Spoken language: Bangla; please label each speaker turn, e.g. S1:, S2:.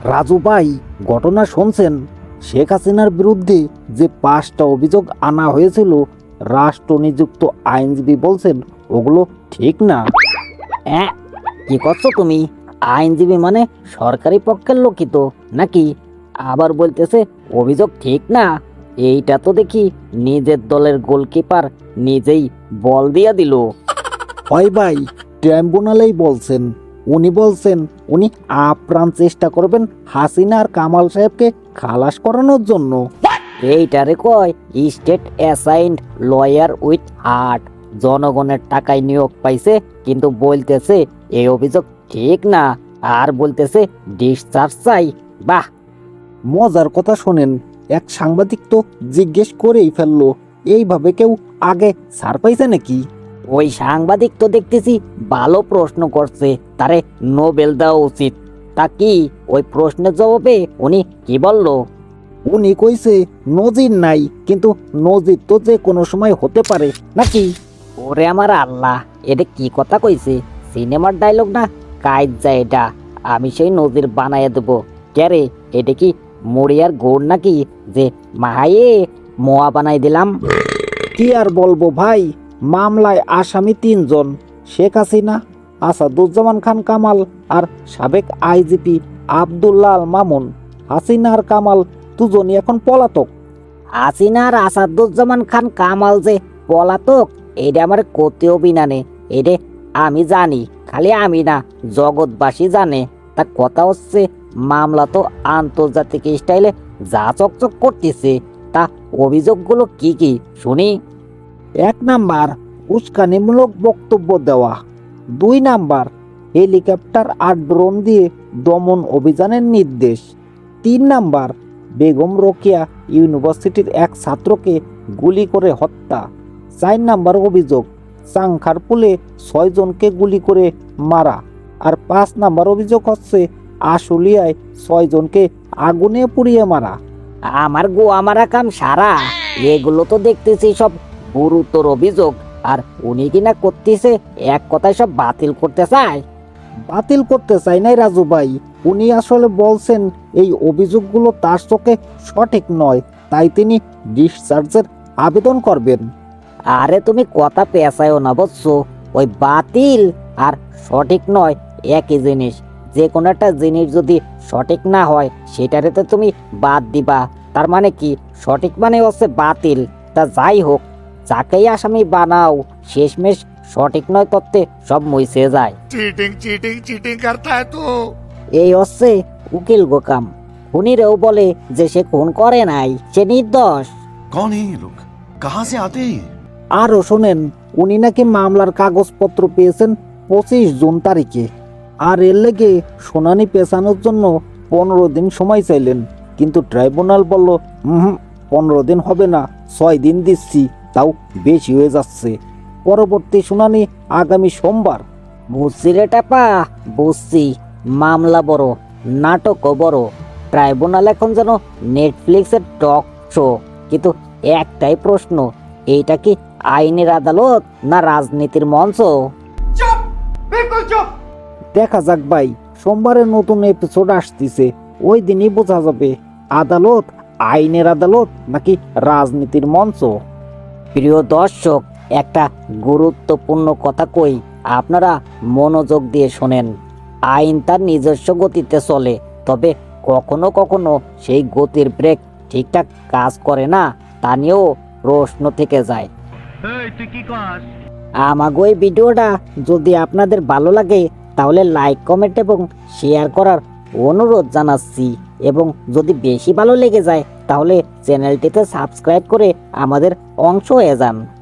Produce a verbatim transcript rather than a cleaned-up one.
S1: রাজু ভাই, ঘটনা শুনছেন? শেখ হাসিনার বিরুদ্ধে যে পাঁচটা অভিযোগ আনা হয়েছিল, রাষ্ট্র নিযুক্ত আইনজীবী বলছেন ওগুলো ঠিক না।
S2: হ্যাঁ, কি করছো তুমি? আইনজীবী মানে সরকারি পক্ষের লোকই তো নাকি? আবার বলতেছে অভিযোগ ঠিক না। এইটা তো দেখি নিজের দলের গোলকিপার নিজেই বল দিয়া দিল।
S1: হয় ভাই, ট্রাইব্যুনালেই বলছেন। উনি বলছেন উনি আপ্রাণ চেষ্টা করবেন হাসিনা আর কামাল সাহেবকে খালাস করানোর জন্য।
S2: এইটারে কয় state assigned lawyer with heart. জনগণের টাকায় নিয়োগ পাইছে, কিন্তু বলতেছে এই অভিযোগ ঠিক না, আর বলতেছে ডিসচার্জ চাই। বাহ,
S1: মজার কথা শোনেন, এক সাংবাদিক তো জিজ্ঞেস করেই ফেললো, এইভাবে কেউ আগে ছাড় পাইছে নাকি?
S2: ওই সাংবাদিক তো দেখতেছি ভালো প্রশ্ন করছে, তারে নোবেল দেওয়া উচিত। তা কি ওই প্রশ্নের জবাবে উনি কি বলল?
S1: উনি কইছে নজির নাই, কিন্তু নজির তো যে কোনো সময় হতে পারে নাকি।
S2: ওরে আমার আল্লাহ, এটা কি কথা কইছে? সিনেমার ডায়লগ না কাজ যায় এটা। আমি সেই নজির বানাইয়া দেবো। ক্যারে, এটা কি মরিয়ার গোড় নাকি যে মাহায়ে মোয়া বানাই দিলাম?
S1: কি আর বলবো ভাই, মামলায় আসামি তিনজন, শেখ হাসিনা, আসাদুজ্জামান খান কামাল আর সাবেক আইজিপি আব্দুল্লাহ আল মামুন। হাসিনা আর কামাল দুজনই এখন পলাতক।
S2: হাসিনা আর আসাদুজ্জামান খান কামাল যে পলাতক, এটা আমার কোতেও বিনানে। এটা আমি জানি, খালি আমি না, জগৎবাসী জানে। তা কথা হচ্ছে মামলা তো আন্তর্জাতিক স্টাইলে যা চকচক করতেছে। তা অভিযোগগুলো কি কি শুনি?
S1: এক নাম্বার, উস্কানিমূলক বক্তব্য দেওয়া। দুই নাম্বার, হেলিকপ্টার আর ড্রোন দিয়ে দমন অভিযানের নির্দেশ। তিন নাম্বার, বেগম রোকেয়া ইউনিভার্সিটির এক ছাত্রকে গুলি করে হত্যা। চার নাম্বার অভিযোগ, চাংখারপুলে ছয় জনকে গুলি করে মারা। আর পাঁচ নাম্বার অভিযোগ হচ্ছে আশুলিয়ায় ছয় জনকে আগুনে পুড়িয়ে মারা।
S2: আমার গো আমারা কাম সারা। এগুলো তো দেখতেছি সব গুরুতর অভিযোগ, আর উনি কিনা করতেছে এক কথায় সব বাতিল করতে চায়।
S1: বাতিল করতে চাই নাই রাজু ভাই, উনি আসলে বলছেন এই অভিযোগগুলো তার চোখে সঠিক নয়, তাই তিনি ডিসচার্জের আবেদন করবেন।
S2: আরে তুমি কথা পেঁচায়ও না বুঝছো? ওই বাতিল আর সঠিক নয় একই জিনিস। যে কোনো একটা জিনিস যদি সঠিক না হয় সেটারে তো তুমি বাদ দিবা। তার মানে কি, সঠিক মানে হচ্ছে বাতিল। তা যাই হোক, যাকেই আসামি বানাও, শেষমেশ সঠিক নয় তত্ত্বে সব মুইছে যায়।
S3: चीटिंग चीटिंग चीटिंग करता है तू।
S2: এই হচ্ছে উকিল গোকাম। খুনিরেও বলে যে সে খুন করে নাই, সে নির্দোষ।
S3: कौन है ये लोग, कहाँ से आते हैं ये?
S1: আরও শোনেন, উনি নাকি মামলার কাগজপত্র পেয়েছেন পঁচিশ জুন তারিখে, আর এর লেগে শুনানি পেছানোর জন্য পনেরো দিন সময় চাইলেন, কিন্তু ট্রাইব্যুনাল বলল হুম পনেরো দিন হবে না, ছয় দিন দিচ্ছি, তাও বেশি হয়ে যাচ্ছে। পরবর্তী শুনানি আগামী সোমবার।
S2: বুঝছি রে টাপা, বুঝছি। মামলা বড়, নাটকও বড়। ট্রাইব্যুনাল এখন যেন নেটফ্লিক্সের টক শো। কিন্তু একটাই প্রশ্ন, এইটা কি আইনের আদালত না রাজনীতির মঞ্চ?
S1: দেখা যাক ভাই, সোমবারে নতুন এপিসোড আসতেছে, ওই দিনই বোঝা যাবে আদালত আইনের আদালত নাকি রাজনীতির মঞ্চ।
S2: প্রিয় দর্শক, একটা গুরুত্বপূর্ণ কথা কই, আপনারা মনোযোগ দিয়ে শোনেন। আইন তার নিজস্ব গতিতে চলে, তবে কখনো কখনো সেই গতির ব্রেক ঠিকঠাক কাজ করে না, তা নিয়েও প্রশ্ন থেকে যায়। আমাগো এই ভিডিওটা যদি আপনাদের ভালো লাগে তাহলে লাইক, কমেন্ট এবং শেয়ার করার অনুরোধ জানাচ্ছি। এবং যদি বেশি ভালো লেগে যায় তাহলে চ্যানেলটিতে সাবস্ক্রাইব করে আমাদের অংশ হয়ে যান।